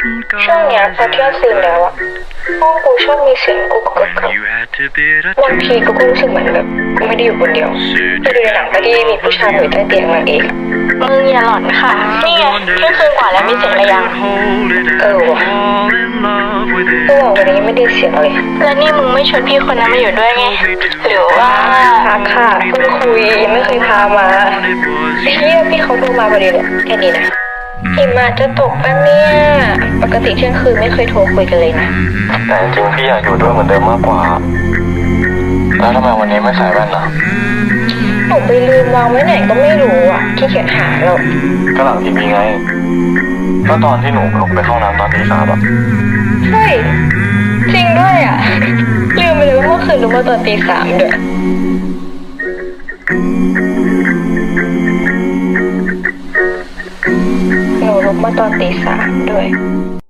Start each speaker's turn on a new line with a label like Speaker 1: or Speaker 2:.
Speaker 1: ช่วงเนี้ยพอเที่ยงคืนแล้วอะห้องกูชอบมีเสียงกุกกักบางทีกูก็รู้สึกเหมือนแบบกูไม่ได้อยู่คนเดียวไปดูในหนังไม่ได้มีผู้ชายอยู่ใต้เตียงนางเอก
Speaker 2: มึงอย่าหลอนค่ะนี่ไงเที่ยงคืนกว่าแล้วมีเสียงอะไรยัง
Speaker 1: ว่ะกูบอกวันนี้ไม่ได้เสียงเลย
Speaker 2: แล้วนี่มึงไม่ชวนพี่คนนั้นมาอยู่ด้วยไงหรือว่า
Speaker 1: พักค่ะเพิ่งคุยไม่เคยพามาพี่เขาโทรมาพอดีเลยแค่นี้นะหิมะจะตกปะเนี่ยปกติเที่ยงคืนไม่เคยโทรคุยกันเลยนะ
Speaker 3: แต่จริงพี่อยากอยู่ด้วยเหมือนเดิมมากกว่าแล้วทำไมวันนี้ไม่ใส่แว่นล่ะ
Speaker 1: หนูไปลืมวางไว้ไหนก็ไม่รู้อ่ะขี้เกียจหาเรา
Speaker 3: ก็หลังทีวีไงก็ตอนที่หนูลงไปเข้าน้ำตอนตี 3อ่ะ
Speaker 1: เฮ้ยจริงด้วยอ่ะลืมไปเลยว่าเมื่อคืนรู้มาตอนตี 3ด้วยหนูลุกมาตอนตี 3ด้วย